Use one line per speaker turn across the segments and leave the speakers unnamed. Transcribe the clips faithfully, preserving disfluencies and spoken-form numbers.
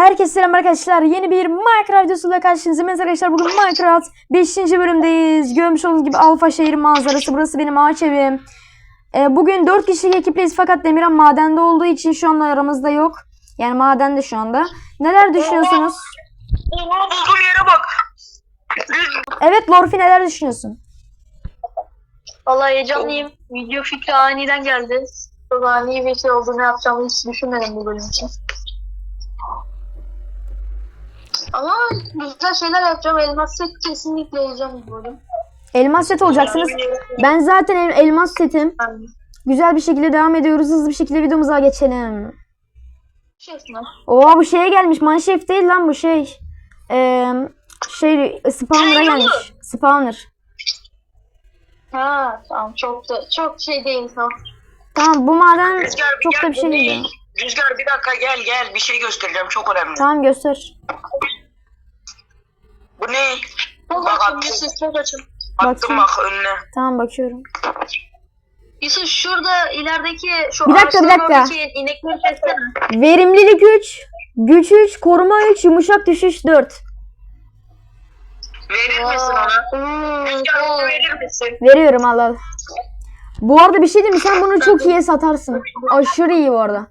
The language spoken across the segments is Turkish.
Herkese selam arkadaşlar. Yeni bir Minecraft videosuyla karşınızdayım arkadaşlar. Bugün Minecraft beşinci bölümdeyiz. Görmüş olduğunuz gibi Alfa şehir manzarası. Burası benim ağaç evim. Ee, bugün dört kişilik ekipleyiz fakat Demirhan madende olduğu için şu anda aramızda yok. Yani madende şu anda. Neler düşünüyorsunuz?
Oha, bulduğum yere bak.
Evet Lorfi, neler düşünüyorsun?
Vallahi heyecanlıyım. Video fikri aniden geldi. Çok ani bir şey oldu. Ne yapacağımı hiç düşünmedim bu bölüm için. Ama güzel şeyler yapacağım. Elmas set kesinlikle olacağım bu bölüm.
Elmas set olacaksınız. Ben zaten el- elmas setim.
Yani,
Güzel bir şekilde devam ediyoruz. Hızlı bir şekilde videomuza geçelim.
şeysin.
Oha, bu şeye gelmiş. Mineshaft değil lan bu şey. Ee, şey Spawner'a gelmiş. Spawner.
Ha tamam, çok da çok şey değil tamam.
Tamam, bu maden
Rüzgar bir
çok
gel,
da bir şey
bu
değil.
ne? Rüzgar bir dakika gel gel, bir şey göstereceğim, çok önemli.
Tamam, göster.
Bu ne?
Çok
Bak
açın
attım,
Yusuf, çok açın.
attım
Bakayım.
bak önüne.
Tamam, bakıyorum.
Yusuf şurada ilerideki şu
Bir dakika, bir
ağaçların
dakika.
oradaki inekleri kessene.
Verimlilik üç, güç üç, koruma üç, yumuşak düşüş dört.
Verir misin ona?
Hmm,
Rüzgar onu
tamam.
verir misin?
Veriyorum, al al. Bu arada bir şey diyeyim mi? Sen bunu çok iyi satarsın. Aşırı iyi bu arada.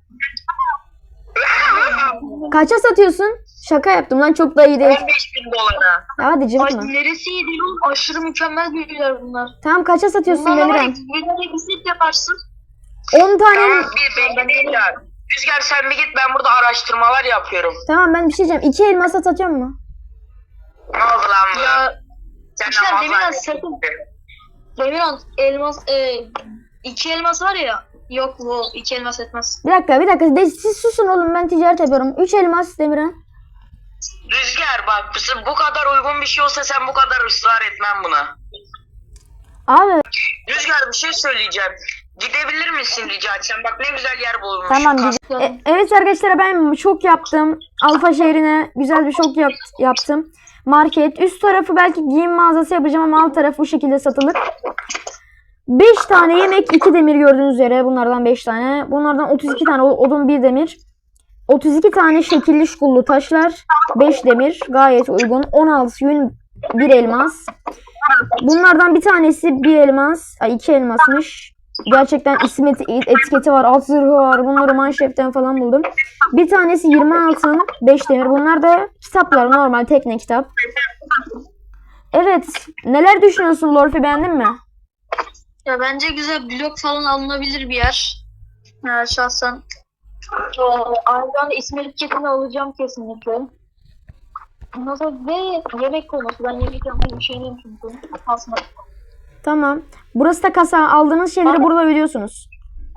Kaça satıyorsun? Şaka yaptım lan, çok da iyi değil.
on beş bin dolara.
Ya hadi
Ay,
cıvıtma.
neresi iyi değil oğlum? Aşırı mükemmel büyüler bunlar.
Tamam, kaça satıyorsun
Bunlarla
Demirhan?
bir bir set yaparsın.
on tane.
Tamam, bir bekle değil ya. Rüzgar sen bir git, ben burada araştırmalar yapıyorum.
Tamam, ben bir şey diyeceğim. İki elmas satıyor mu?
Ne oldu lan bu?
Ya
Sen
işte
namaz
Demirhan
zannettin.
sakın. Demirhan elmas e, iki elmas var ya. Yok bu iki elmas etmez.
Bir dakika, bir dakika. De, siz susun oğlum, ben ticaret yapıyorum. Üç elmas Demirhan.
Rüzgar bak, bu kadar uygun bir şey olsa sen bu kadar ısrar etmem buna.
Abi
Rüzgar bir şey söyleyeceğim. Gidebilir misin rica etsem? Bak ne güzel yer bulmuşum.
tamam.
Kas-
diyeceğim. E, evet arkadaşlar, ben şok yaptım. Alfa şehrine güzel bir şok yap, yaptım. Market. Üst tarafı belki giyim mağazası yapacağım ama alt tarafı bu şekilde satılır. beş tane yemek, iki demir gördüğünüz üzere. Bunlardan beş tane. Bunlardan otuz iki tane odun, bir demir. otuz iki tane şekilli şukullu taşlar. beş demir. Gayet uygun. on altı yün, bir elmas. Bunlardan bir tanesi bir elmas. Ay, iki elmasmış. Gerçekten isim et- etiketi var. Alt zırhı var. Bunları Mineshaft'ten falan buldum. Bir tanesi yirmi altın. beş demir. Bunlar da kitaplar. Normal tekne kitap. Evet. Neler düşünüyorsun Lorfi, beğendin mi?
Ya bence güzel blok falan alınabilir bir yer. Ya şahsen. O, aynı anda İsmail etiketini alacağım kesinlikle. Ondan sonra ve yemek konusu. Ben yemek yapmayı bir şeyliyim çünkü. Aslında.
Tamam. Burası da kasa. Aldığınız şeyleri burada ödüyorsunuz.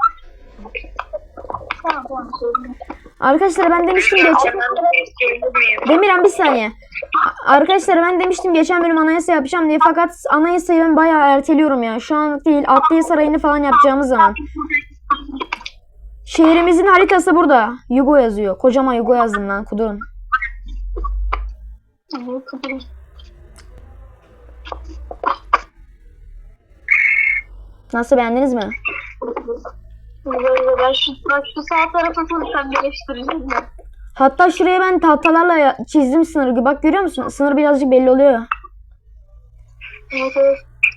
Tamam tamam. Söyleyeyim.
Arkadaşlar ben demiştim
Rüzgar,
geç.
ben-
Demirhan, bir saniye. A- Arkadaşlar ben demiştim geçen bölüm anayasa yapacağım diye, fakat anayasayı ben bayağı erteliyorum ya. Şu an değil, Adliye Sarayı'nı falan yapacağımız zaman. Şehrimizin haritası burada. Yugo yazıyor. Kocaman Yugo yazdım lan, kudurun.
Tamam, kapatayım.
Nasıl, beğendiniz mi?
Böyle ben şu, bak şu sağ tarafa sen birleştireceğim ya.
Hatta şuraya ben tahtalarla ya- çizdim sınırı. Bak, görüyor musun? Sınır birazcık belli oluyor.
Evet evet.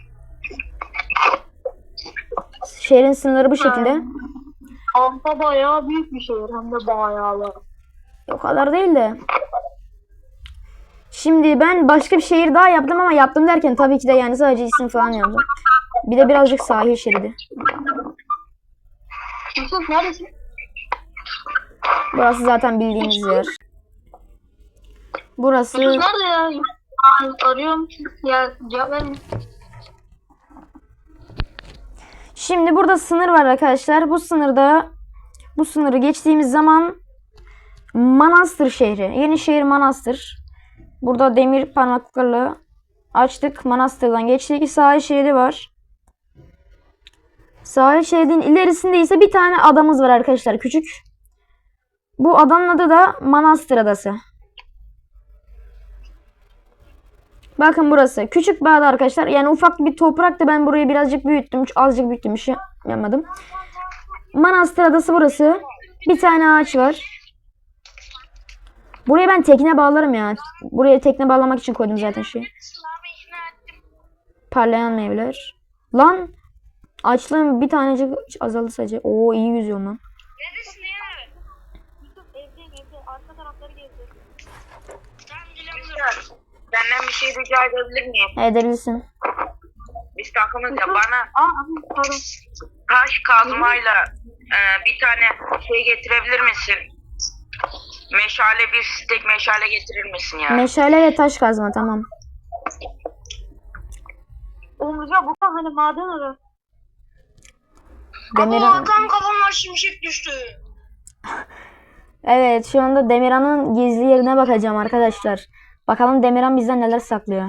Şehrin sınırları bu şekilde.
Alfa bayağı büyük bir şehir, hem de bayağı.
O kadar değil de. Şimdi ben başka bir şehir daha yaptım ama yaptım derken tabii ki de yani sadece isim falan yazdım. Bir de birazcık sahil şeridi.
Yusuf neredesin?
Burası zaten bildiğiniz yer. Burası
Yusuf nerede ya? Aa, arıyorum. Ya cevap vermiyor.
Şimdi burada sınır var arkadaşlar. Bu sınırda bu sınırı geçtiğimiz zaman Manastır şehri. Yenişehir Manastır. Burada demir parmaklıklarla açtık. Manastır'dan geçtik. Sahil şeridi var. Sahil şeridin ilerisinde ise bir tane adamız var arkadaşlar. Küçük. Bu adanın adı da Manastır Adası. Bakın burası. Küçük bir ada arkadaşlar. Yani ufak bir topraktı. Ben burayı birazcık büyüttüm. Azıcık büyüttüm. Bir şey yapmadım. Manastır Adası burası. Bir tane ağaç var. Buraya ben tekne bağlarım ya. Buraya tekne bağlamak için koydum zaten şeyi. Parlayan meyveler. Lan açlığım bir tanecik azaldı sadece. Oo iyi yüzüyorum lan.
Neredesin ya? Evdeyim evde. Arka tarafları gezdim. Tamam geliyorum.
Senden bir şey rica edebilir miyim?
Edebilirsin.
Biz takımız ya bana
Aa pardon.
taş kazmayla e, bir tane şey getirebilir misin? Meşale bir stek meşale getirir misin ya?
Meşale ve taş kazma tamam.
Oğlum Rüzgar bu hani maden arı.
Demirhan.
tam kafamdan şimşek düştü.
Evet şu anda Demirhan'ın gizli yerine bakacağım arkadaşlar. Bakalım Demirhan bizden neler saklıyor.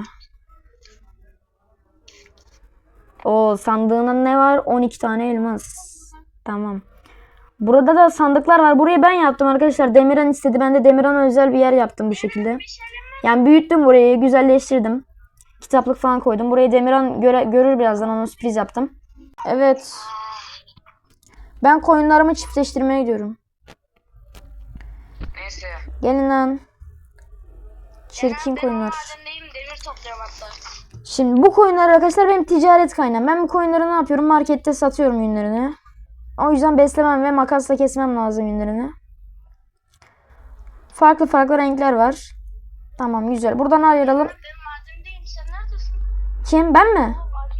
O sandığında ne var? on iki tane elmas. Tamam. Burada da sandıklar var. Burayı ben yaptım arkadaşlar. Demirhan istedi. Ben de Demirhan'a özel bir yer yaptım bu şekilde. Yani büyüttüm burayı. Güzelleştirdim. Kitaplık falan koydum. Burayı Demirhan göre, görür birazdan. Ona sürpriz yaptım. Evet. Ben koyunlarımı çiftleştirmeye gidiyorum.
Neyse.
Gelin lan. Çirkin koyunlar.
Madendeyim demir topluyorum hatta.
Şimdi bu koyunlar arkadaşlar benim ticaret kaynağım. Ben bu koyunları ne yapıyorum? Markette satıyorum yünlerini. O yüzden beslemem ve makasla kesmem lazım yünlerini. Farklı farklı renkler var. Tamam güzel. Buradan ayıralım.
Ben madendeyim sen neredesin?
Kim? Ben mi?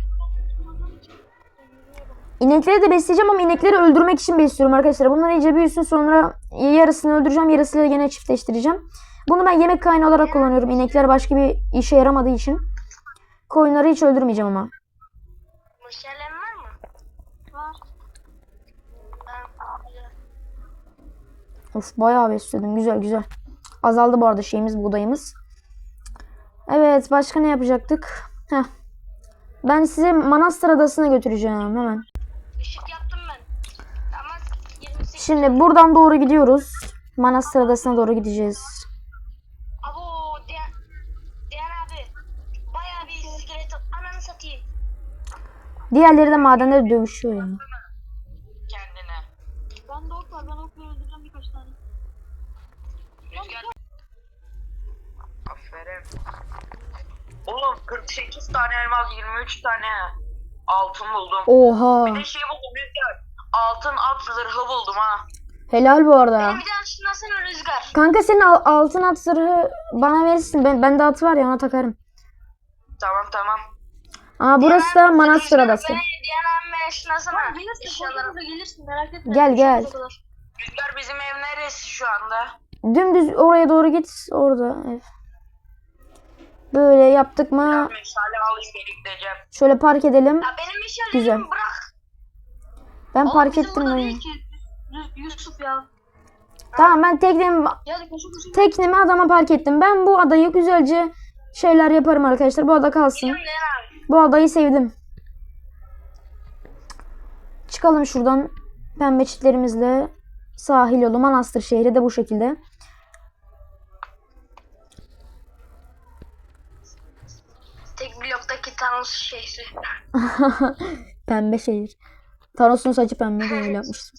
İnekleri de besleyeceğim ama inekleri öldürmek için besliyorum arkadaşlar. Bunlar iyice büyüsün sonra yarısını öldüreceğim. Yarısıyla gene çiftleştireceğim. Bunu ben yemek kaynağı olarak kullanıyorum. İnekler başka bir işe yaramadığı için. Koyunları hiç öldürmeyeceğim ama.
Meşalen var mı? Var.
Of bayağı besledim. Güzel güzel. Azaldı bu arada şeyimiz, buğdayımız. Evet başka ne yapacaktık? Heh. Ben size Manastır Adası'na götüreceğim hemen.
Işık yaptım ben. Ama yirmi sekiz.
Şimdi buradan doğru gidiyoruz. Manastır Adası'na doğru gideceğiz.
Abo Diyan, Diyan abi. Bayağı bir iskelet ananı satayım.
Diğerleri de madenleri dövüşüyor yani.
Kendine.
Ben de ok var. Ben okla öldüreceğim birkaç tane.
Rüzgar. Aferin. Oğlum kırk sekiz tane elmas yirmi üç tane altın buldum.
Oha.
Bir de şey buldum Rüzgar. Altın at zırhı buldum ha.
Helal bu arada.
Bir daha şunlasana Rüzgar.
Kanka senin al- altın at zırhı bana verirsin. Ben, bende atı var ya ona takarım.
Tamam tamam.
Aa burası da Manastır Adası.
Diyan abi şunlasana. Gelirsin. Eşyalarımıza gelirsin merak etme.
Gel, gel.
Rüzgar bizim ev neresi şu anda?
Dümdüz oraya doğru git. Orada ev. Böyle yaptık mı?
Biraz meşale alayım bekleyeceğim.
Şöyle park edelim.
Ya benim eşyalarımı
Güzel.
bırak.
Ben
Oğlum
park
bizim
ettim
burada
lan.
değil ki. Yus- Yusuf ya.
Tamam ben teknemi,
Ya da koşu koşu.
teknemi adama park ettim. Ben bu adayı güzelce şeyler yaparım arkadaşlar. Bu ada kalsın.
Diyan abi.
Bu adayı sevdim. Çıkalım şuradan pembe çitlerimizle. Sahil yolu Manastır şehri de bu şekilde.
Tek bloktaki Thanos şehri.
Pembe şehir. Thanos'un saçı pembe de öyle yapmıştım.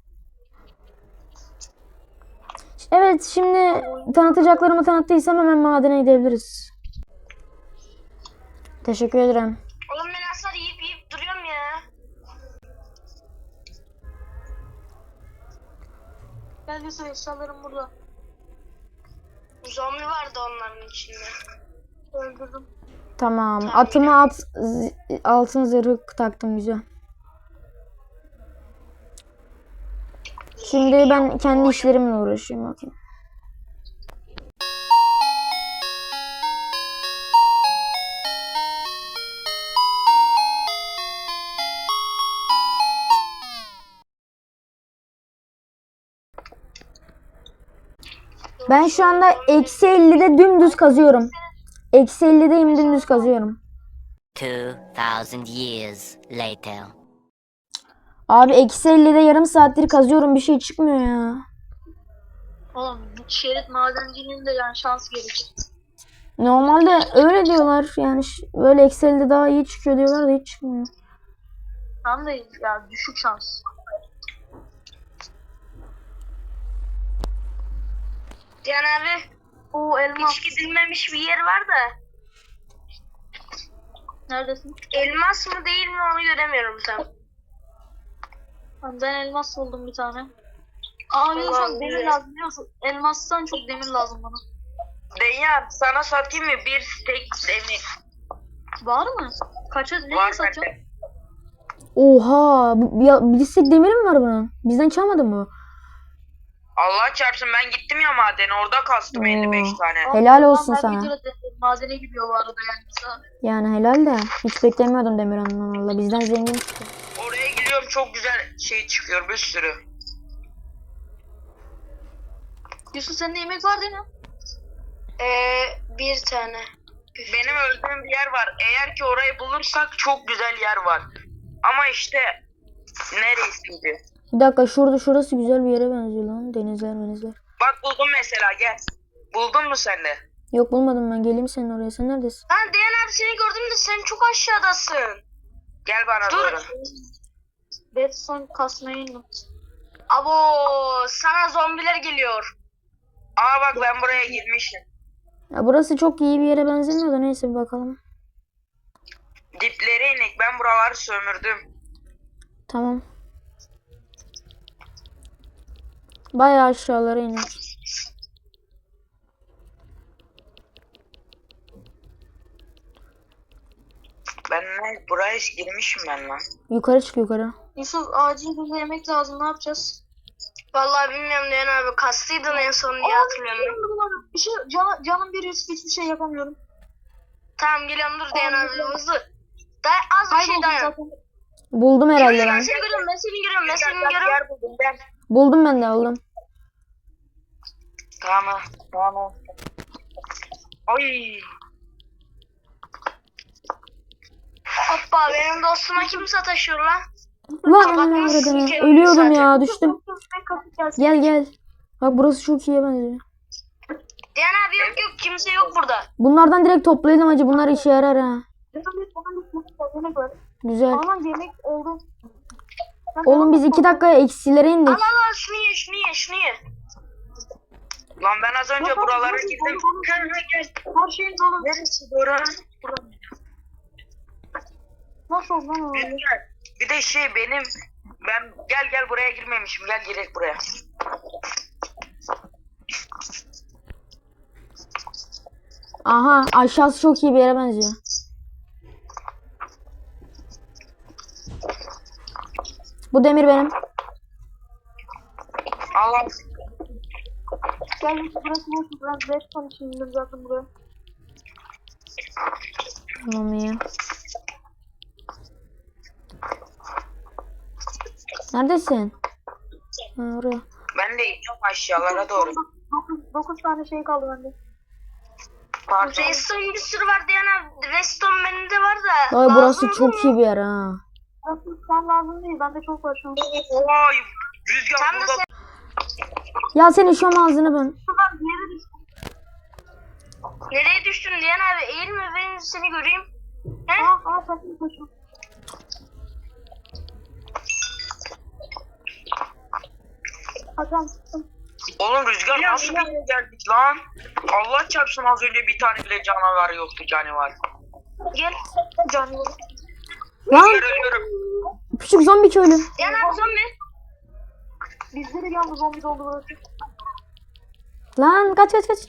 Evet şimdi tanıtacaklarımı tanıttıysam hemen madene gidebiliriz. Teşekkür ederim.
Oğlum ben asla yiyip yiyip duruyorum ya. Gel Yusuf eşyalarım burada. Zombi vardı onların içinde. Öldürdüm.
Tamam. Atıma at z- altın zırhı taktım güzel. Şimdi ben kendi işlerimle uğraşayım bakayım. Ben şu anda eksi ellide dümdüz kazıyorum. Eksi ellideyim dümdüz kazıyorum.
Two thousand years later.
Abi eksi ellide yarım saattir kazıyorum bir şey çıkmıyor ya.
Oğlum şerit madenciliğinde yani şans gerekir.
Normalde öyle diyorlar yani ş- böyle eksi ellide daha iyi çıkıyor diyorlar da hiç çıkmıyor.
Tam da ya düşük şans.
Cihan abi
O elmas.
hiç gidilmemiş bir yer var da.
Neredesin?
Elmas mı değil mi onu göremiyorum tam.
Tamam, ben elmas buldum bir tane. Aa bir de
Allah'ım
çok demir
ya.
lazım biliyor musun? Elmastan çok demir lazım bana.
Dünya sana satayım mı bir stek demir?
Var mı? Kaça ne
Var
satıyorsun?
bende.
Oha. Bu, ya, bir istek demiri mi var bunun? Bizden çalmadı mı bu?
Allah çarpsın ben gittim ya madene orada kastım
Oo.
elli beş tane.
Helal olsun
Ben
sana.
videoda de- madene gidiyor bu arada yani. Mesela.
Yani helal de. Hiç beklemiyordum Demirhan'dan valla. Bizden zengin çıktı.
Oraya gidiyorum çok güzel şey çıkıyor bir sürü.
Yusuf sende yemek var değil mi?
Ee, bir tane. Benim öldüğüm bir yer var. Eğer ki orayı bulursak çok güzel yer var. Ama işte neresiydi?
Bir dakika şurada şurası güzel bir yere benziyor lan. Denizler denizler.
Bak buldum mesela gel. Buldun mu sen de?
Yok bulmadım ben. Geleyim senin oraya. Sen neredesin?
Lan Diyan abi seni gördüm de sen çok aşağıdasın. Gel bana doğru.
Redstone kasmaya indim.
Abo sana zombiler geliyor. Aa bak ben buraya girmişim.
Ya burası çok iyi bir yere benzemiyor da neyse bir bakalım.
Diplere inek ben buraları sömürdüm.
Tamam. Bayağı aşağılara iniyor.
Ben ne buraya girmişim ben lan.
Yukarı çık yukarı.
Yusuf acil bize yemek lazım ne yapacağız?
Vallahi bilmiyorum Diyan abi kastıydın en son diye hatırlıyorum.
Bir şey can, canım bir Yusuf hiçbir şey yapamıyorum.
Tamım geliyorum dur Diyan abi hızlı. Da az bir şey
Kayboldum
dayan.
zaten.
Buldum herhalde
Ben
ben.
seni görüyorum ben seni görüyorum ben seni görüyorum.
Buldum ben de aldım.
Tamam tamam. Ay. Hoppa benim dostuma kim sataşıyor lan?
Lan
Kapatmışsın
anam
ki
ölüyordum
zaten.
ya düştüm. Gel gel. Bak burası çok iyiye benziyor.
Diyan abi yok yok kimse yok burada.
Bunlardan direkt toplayalım acı. Bunlar işe yarar ha. Güzel.
Aman yemek oldu.
Oğlum biz iki dakikaya eksilere indik.
Al al al şunu ye şunu ye şunu ye. Lan ben az önce buralara girdim. Gel gel.
Her şeyin dolu.
Neresi bura?
Nasıl oldu lan
Bir
öyle?
de, bir de şey benim ben gel gel buraya girmemişim. Gel girek buraya.
Aha aşağısı çok iyi bir yere benziyor. Bu demir benim.
Allah.
Gel Yusuf burası boş. Ben redstone için indim zaten buraya.
Tamam iyi. Neredesin? Ha, oraya.
Ben de iniyorum aşağılara doğru.
dokuz tane şey kaldı bende.
Pardon. Redstone bir sürü var Diyan abi. Redstone benim de var da.
Ay burası
lazım
çok
mı?
iyi bir yer ha.
Aslında sen lazım değil. Bende çok var şu an.
Vay. Rüzgar Tam da burada. sen-
Ya senin şu ağzını ben.
Şuradan bir yere düştüm.
Nereye düştün Diyan abi? Eğilme ben seni göreyim. He?
Aa aa sakın koşun. Hakan çıktım.
Oğlum Rüzgar nasıl bir yere geldik lan? Allah çarpsın az önce bir tane bile canavar yoktu canavar. Gel.
Canlı.
Lan
Rüzgar ölüyorum.
küçük zombi köylü.
Diyan abi zombi.
Bizde de yalnız zombi doldu burası.
Lan kaç kaç kaç.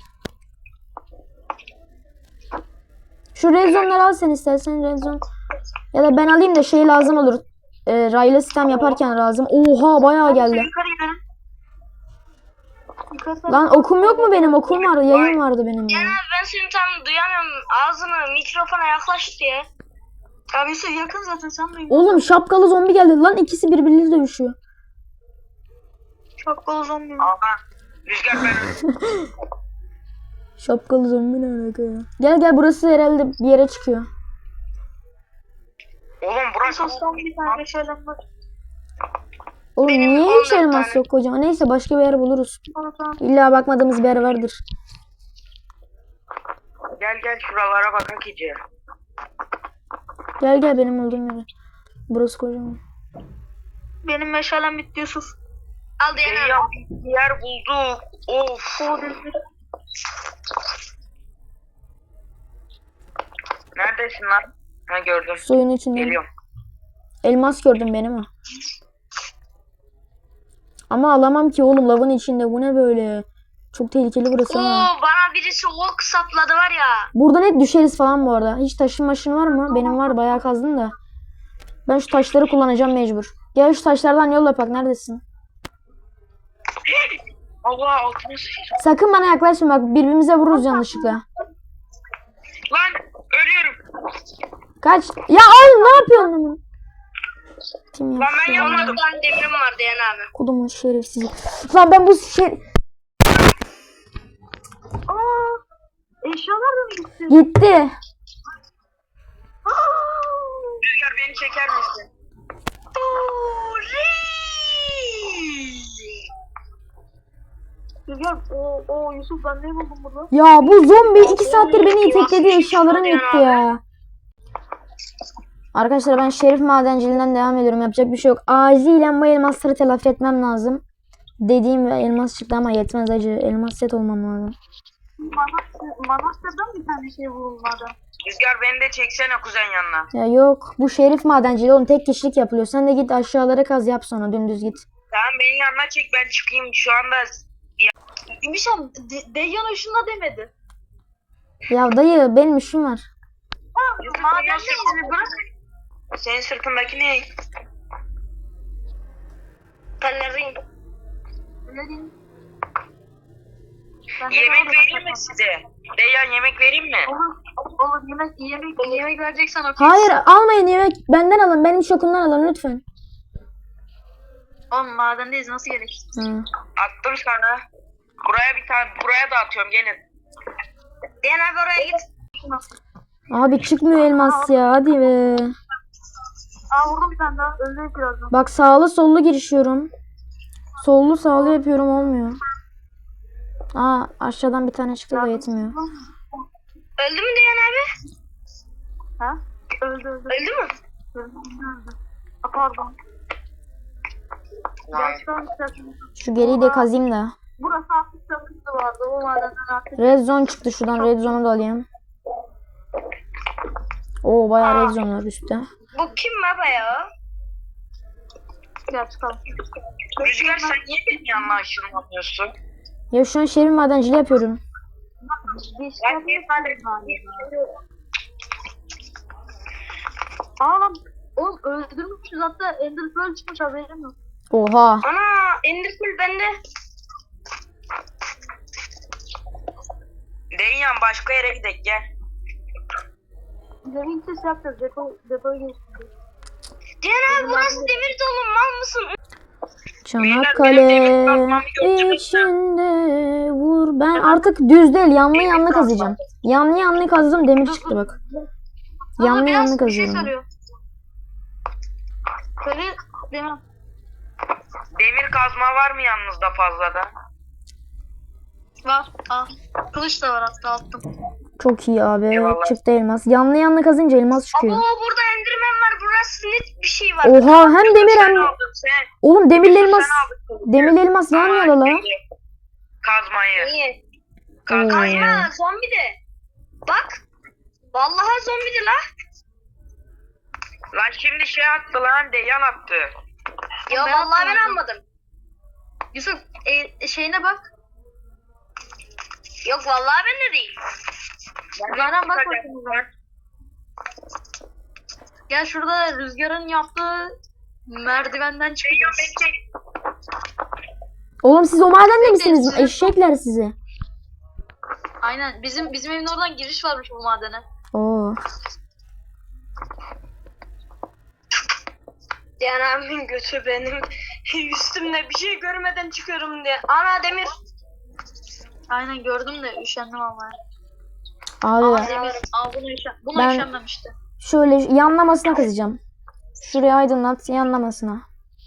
Şu red zone'ları al sen istersen red zone. Ya da ben alayım da şey lazım olur. E, raylı sistem yaparken lazım. Oha bayağı geldi.
Yukarı gidelim. Yukarı
Lan okum yok mu benim? Okum vardı. Yayın vardı benim ya.
Diyan abi ben seni tam duyamıyorum. Ağzını mikrofona yaklaş diye.
Abi Yusuf yakın zaten sen de.
Oğlum şapkalı zombi geldi. Lan ikisi birbiriyle dövüşüyor.
Şapkalı zombi.
Aha. Rüzgar ben öldüm.
Şapkalı zombi ne alaka ya? Gel gel burası herhalde bir yere çıkıyor.
Oğlum burası
Sostan bir tane şeyler var.
Oğlum
Benim
niye
on
hiç
dört
elmas
tane.
yok kocaman? Neyse başka bir yer buluruz.
Tamam tamam.
İlla bakmadığımız bir yer vardır.
Gel gel şuralara bakak iyice.
Gel gel benim olduğum yere. Burası kocaman.
Benim meşalem bitti Yusuf. Al Diyen
Deyyan
abi.
bir yer bulduk. Of. Neredesin lan? Ha gördüm.
Suyun içinde.
Geliyorum.
Elmas gördüm benim ha. Ama alamam ki oğlum, lavın içinde. Bu ne böyle? Çok tehlikeli burası
Oo,
ama.
bana birisi ok sapladı var ya.
Burada net düşeriz falan bu arada. Hiç taşın maşın var mı? Benim var, bayağı kazdım da. Ben şu taşları kullanacağım mecbur. Gel şu taşlardan yol yapak. Neredesin?
Allah altıma sıçtım.
Sakın bana yaklaşma bak, birbirimize vururuz yanlışlıkla.
Lan ölüyorum.
Kaç. Ya oğlum ne yapıyorsun lan? Kim
Lan ben
yaptı?
yanmadım.
Ben demirim var Diyen abi.
Kodumun şerefsizi. Lan ben bu şey...
Eşyalar da mı gitti?
Gitti.
Rüzgar beni çeker misin?
Rüzgar, o, o Yusuf ben ne buldum bunu?
Ya bu zombi iki saattir beni itekledi, eşyalarım gitti ya. Arkadaşlar ben Şerif Madenciliğinden devam ediyorum. Yapacak bir şey yok. Acilen bu elmasları telafi etmem lazım. Dediğim ve elmas çıktı ama yetmez acı. Elmas set olmam lazım.
Manastır'dan bir tane şey bulunmadı.
Rüzgar beni de çeksene kuzen yanına.
Ya yok, bu Şerif Madenciliği oğlum tek kişilik yapılıyor. Sen de git aşağılara kaz yap, sonra dümdüz git.
Tamam beni yanına çek ben çıkayım şu anda.
İmişem, Deyyan ışınla demedi.
Ya dayı benim işim var.
Yusuf,
Maden
senin sırtını bırak. Senin sırtındaki ne?
Pelerin. Pelerin.
Yemek vereyim mi size? Deyyan yemek vereyim mi?
Olur, olur yemek, yemek, yemek vereceksen okey.
Hayır almayın yemek, benden alın, benim şokumdan alın lütfen.
Oğlum madendeyiz, nasıl gerek?
Ha.
Attım sana. Buraya bir tane buraya da atıyorum gelin.
Diyen abi oraya git.
Abi çıkmıyor elmas ya, hadi be.
Aa vurdum bir tane daha, öldü birazdan.
Bak sağlı sollu girişiyorum. Sollu sağlı yapıyorum, olmuyor. Aa aşağıdan bir tane çıktı da yetmiyor.
Öldü mü Diyen abi? Ha? Öldü öldü. Öldü mü? Öldü öldü. Aa, pardon.
Vay.
Gerçekten istersen.
Şu geriyi de kazayım da.
Burası hafif çakıntı vardı. O madenden artık.
Red zone çıktı şuradan, red zone'u da alayım. Oo bayağı red zone var üstte.
Bu kim baba ya? Gel çıkalım.
Rüzgar sen niye benim yanına aşınlamıyorsun?
Ya şu an Şerif Madenciliği yapıyorum.
Ben niye
Aa lan oğlum öldürmüşüz, hatta Ender Pearl çıkmış, haberim yok.
Oha.
Ana Ender Pearl bende.
Deyyan başka yere gidelim gel.
Demin ses yapacağız, depo, depoya geçtik. Diyen abi burası demir dolu, mal mısın?
Çanakkale içinde vur. Ben artık düz değil, yanlı yanlı kazacağım. Yanlı yanlı kazdım, demir çıktı bak. Yanlı yanlı kazıyorum.
Böyle demir.
Demir kazma var mı yanınızda fazladan?
Var. Al. Kılıç da var, hatta attım.
Çok iyi abi.
Eyvallah.
Çıktı elmas. Yanlı yanlı kazınca elmas çıkıyor.
Oo burada Enderman var. Burası net bir şey var.
Oha hem demir
Sen
hem...
aldın sen.
Oğlum demirli elmas.
Sen aldın.
Demirli elmas yan yana la.
Kazmayı.
Niye?
Kazmayı.
Oo.
Kayma zombi de. Bak. Vallahi zombi de la.
Lan şimdi şey attı lan Deyyan attı.
Ya vallahi ben almadım. Yusuf e, şeyine bak. Yok vallahi ben de değil. Rüzgar'a bak bakayım. Gel şurada Rüzgar'ın yaptığı merdivenden
Deyyan
çıkıyoruz.
beni çek.
Oğlum siz o madende misiniz? Eşekler sizi.
Aynen bizim bizim evin oradan giriş varmış bu madene.
Oo.
Diyen abimin götü benim üstümde bir şey görmeden çıkıyorum diye. Ana demir. Aynen gördüm de üşendim ama.
Abi
Demir. Aa bunu üşen. Bunu
Ben-
üşenmemişti.
şöyle yanlamasına kazacağım. Şuraya aydınlat, yanlamasına.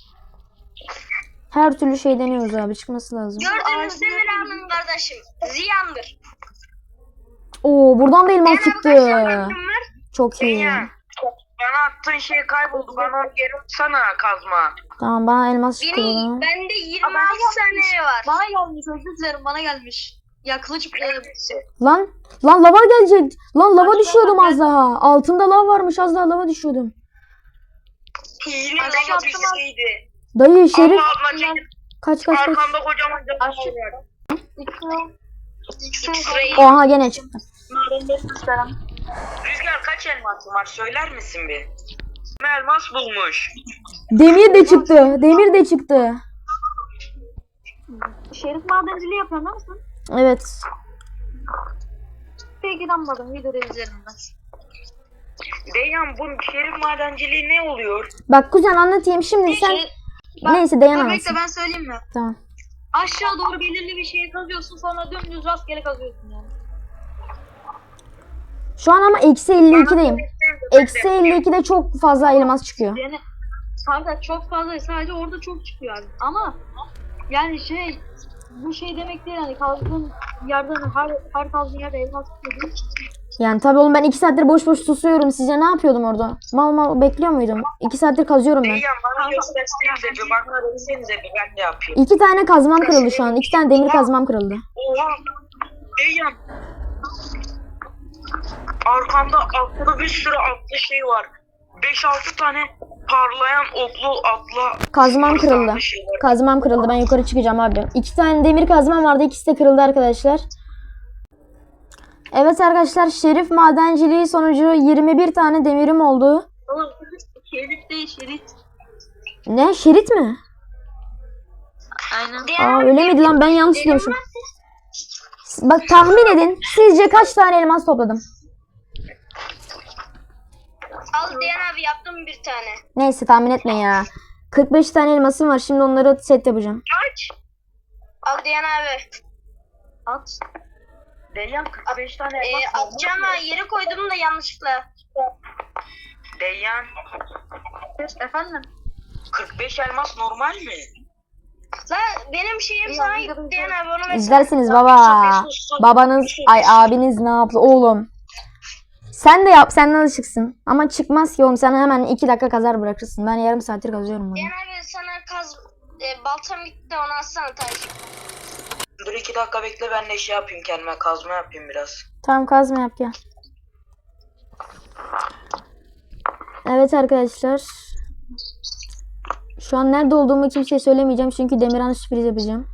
Her türlü şey deniyoruz abi, çıkması lazım.
Gördüğünüz Demir abinin kardeşim. Ziyandır.
Oo buradan da elmas çıktı.
var?
Çok iyi.
Deyyan. Bana attığın şey kayboldu. Bana onu geri atsana kazma.
Tamam bana elmas çıktı.
Benim,
buradan.
bende yirmi altı tane var. Bana gelmiş özür dilerim bana gelmiş. Ya kılıç e,
Lan lan lava gelecek. Lan lava
Aşağı
düşüyordum
bak,
az daha. Altımda lav varmış, az daha lava düşüyordum.
Yine
Aşağı
lava
attım az-
düşseydi.
Dayı Şerif
Allah Allah çekil.
kaç kaç kaç.
Arkamda kocaman canavar
Aşağı-
var.
X-ray.
X-ray.
Oha gene çıktı.
Rüzgar kaç elmas var söyler misin bir? Elmas bulmuş.
Demir de çıktı. Demir de çıktı.
Şerif madenciliği yapıyor değil misin?
Evet.
Peki inanmadım videoda izlerim ben.
Deyhan bu şerif madenciliği ne oluyor?
Bak kuzen anlatayım şimdi sen.
Şey, bak,
Neyse Dayan
Dur bekle
anlatsın.
ben söyleyeyim mi?
Tamam.
Aşağı doğru belirli bir şeye kazıyorsun sonra dümdüz rastgele kazıyorsun yani.
Şu an ama eksi elli ikideyim. Eksi elli ikide çok fazla elmas çıkıyor.
Yani kanka çok fazla sadece orada çok çıkıyor abi. Ama yani şey bu şey demek değil yani kazdığın yerden her, her kazdığın yerde elmas çıkıyor.
Yani tabii oğlum ben iki saattir boş boş susuyorum. Sizce ne yapıyordum orada? Mal mal bekliyor muydum? iki saattir kazıyorum ben.
Deyhan bana göstersenize bir bana versenize bir ben de yapayım.
İki tane kazmam kırıldı şu an. İki tane demir kazmam kırıldı.
Oha. Deyhan. Arkamda atlı bir sürü atlı şey var. beş altı tane parlayan oklu atla.
Kazmam kırıldı.
atlı şey var.
Kazmam kırıldı. Ben yukarı çıkacağım abi. İki tane demir kazmam vardı. İkisi de kırıldı arkadaşlar. Evet arkadaşlar şerif madenciliği sonucu yirmi bir tane demirim oldu.
Oğlum şerit değil şerit.
Ne? Şerit mi?
Aynen.
Aa öyle miydi lan? Ben yanlış diyormuşum. Bak tahmin edin. Sizce kaç tane elmas topladım?
Al Diyan abi yaptım bir tane.
Neyse tahmin etme ya. kırk beş tane elmasım var. Şimdi onları set yapacağım.
Kaç?
Al Diyan abi. At.
Deyhan kırk beş tane
Ee,
elmas olmuş
atacağım
mu?
ha yere koydum da yanlışlıkla.
Deyhan
Efendim?
kırk beş elmas normal mi?
La benim şeyim sana gitti Diyan abi onu ver.
İzlersiniz baba. Babanız, ay abiniz ne yaptı oğlum? Sen de yap, senden alışıksın. Ama çıkmaz ki oğlum. Sen hemen iki dakika kazar bırakırsın. Ben yarım saattir kazıyorum bunu.
Diyan abi sana kaz e, baltam bitti onu alsana taş.
Dur iki dakika bekle ben de şey yapayım kendime kazma yapayım biraz.
Tamam kazma yap gel. Evet arkadaşlar. Şu an nerede olduğumu kimseye söylemeyeceğim. Çünkü Demirhan'a sürpriz yapacağım.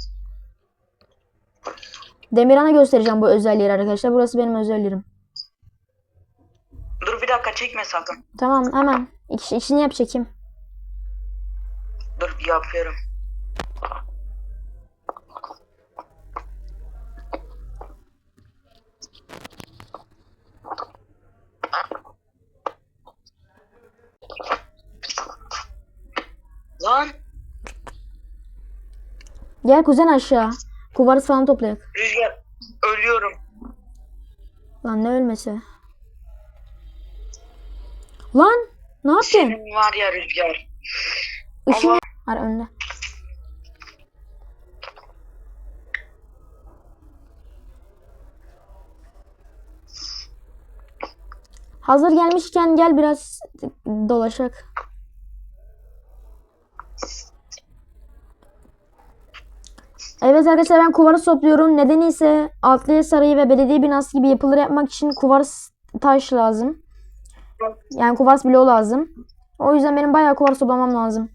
Demirhan'a göstereceğim bu özel yeri arkadaşlar. Burası benim özel yerim.
Dur bir dakika çekme sakın.
Tamam hemen. İş, işini yap çekeyim.
Dur yapıyorum. Lan
Gel kuzen aşağı. Kuvars falan toplayak.
Rüzgar ölüyorum.
Lan ne ölmesi. Lan ne yaptın?
Senin var ya Rüzgar.
Işın
Allah.
var önde. Hazır gelmişken gel biraz dolaşak. Evet arkadaşlar ben kuvars topluyorum. Nedeni ise Altlıya Sarayı ve belediye binası gibi yapıları yapmak için kuvars taş lazım. Yani kuvars bloğu lazım. O yüzden benim bayağı kuvars toplamam lazım.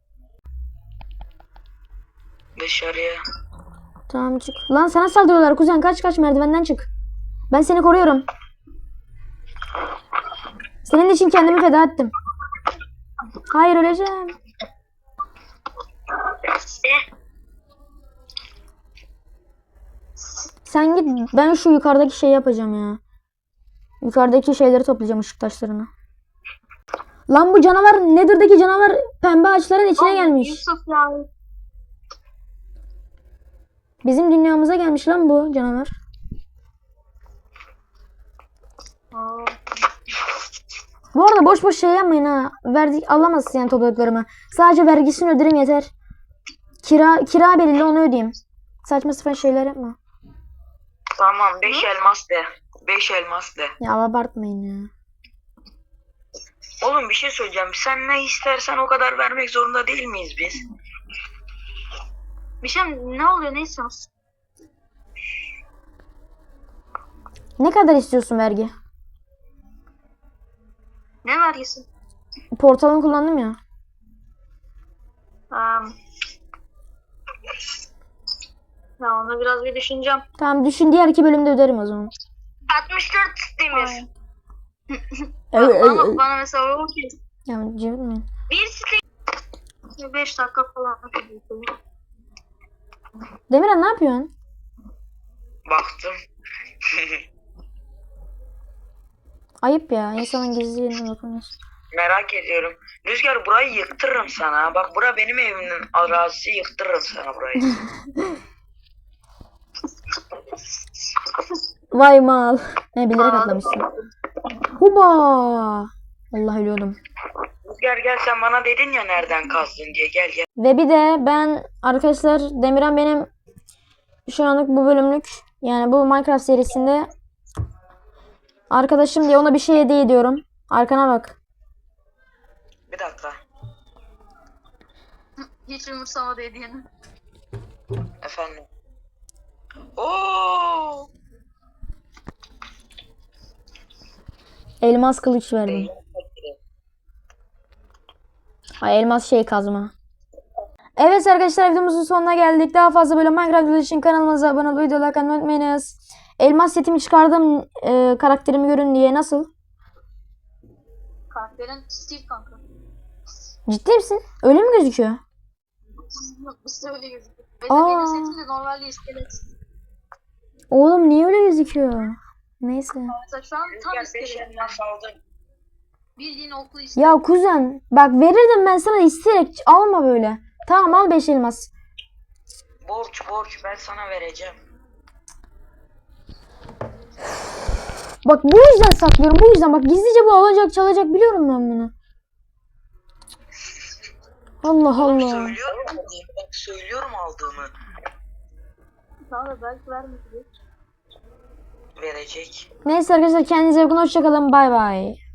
Dışarıya.
Tamam çık. Lan sana saldırıyorlar kuzen, kaç kaç merdivenden çık. Ben seni koruyorum. Senin için kendimi feda ettim. Hayır öleceğim. Sen git, ben şu yukarıdaki şeyi yapacağım ya. Yukarıdaki şeyleri toplayacağım, ışık taşlarını. Lan bu canavar, Nether'daki canavar pembe ağaçların içine gelmiş.
Yusuf ya.
Bizim dünyamıza gelmiş lan bu canavar.
Aa.
Bu arada boş boş şey yapmayın ha. Verdik alamazsın yani topladıklarımı. Sadece vergisini öderim yeter. Kira kira belirli, onu ödeyeyim. Saçma sapan şeyler yapma.
Tamam beş elmas de. beş elmas de.
Ya abartmayın ya.
Oğlum bir şey söyleyeceğim. Sen ne istersen o kadar vermek zorunda değil miyiz biz?
Bir şey mi? Ne oluyor? Ne istiyorsun?
Ne kadar istiyorsun vergi?
Ne vergisi?
Portalını kullandım ya.
Um, ya onu biraz bir düşüneceğim.
Tamam düşün, diğer iki bölümde öderim o zaman.
altmış dört demir.
Evet,
bana,
evet.
bana mesela o ki
Ya cıvıtmayın.
Bir steak.
beş dakika falan.
Demirhan ne yapıyorsun?
Baktım.
Ayıp ya, insanın gizli yerine bakıyorsun.
Merak ediyorum. Rüzgar burayı yıktırırım sana. Bak bura benim evimin arazisi, yıktırırım sana burayı.
Vay mal. Ne bilerek atlamışsın. Huba. Allah ölüyordum.
Rüzgar gel, sen bana dedin ya nereden kazdın diye, gel gel.
Ve bir de ben arkadaşlar, Demirhan benim şu anlık bu bölümlük, yani bu Minecraft serisinde arkadaşım diye ona bir şey hediye ediyorum. Arkana bak.
Bir dakika.
Hiç umursamadı hediyeni.
Efendim. Oo!
Elmas kılıç verdim. Ay elmas şey kazma. Evet arkadaşlar, videomuzun sonuna geldik. Daha fazla böyle Minecraft videoları için kanalımıza abone olmayı, videoları like atmayı unutmayınız. Elmas setimi çıkardım, e, karakterimi görün diye. Nasıl?
Karakterin Steve kanka.
Ciddi misin? Öyle mi gözüküyor?
Biz de öyle gözüküyor.
Aa.
Benim setim de normalde iskelet.
Oğlum niye öyle gözüküyor? Neyse.
Mesela şu an tam
Rüzgar beş
iskelet.
elmas aldım.
Bildiğin oklu iskelet.
Ya kuzen bak, verirdim ben sana isteyerek, alma böyle. Tamam al beş elmas.
Borç borç, ben sana vereceğim.
Bak bu yüzden saklıyorum, bu yüzden bak, gizlice bu alacak çalacak, biliyorum ben bunu. Allah
Oğlum
Allah.
söylüyorum aldığımı. Bak söylüyorum aldığımı.
Sana da belki vermeyecek.
Verecek.
Neyse arkadaşlar, kendinize iyi bakın, hoşçakalın, bay bay.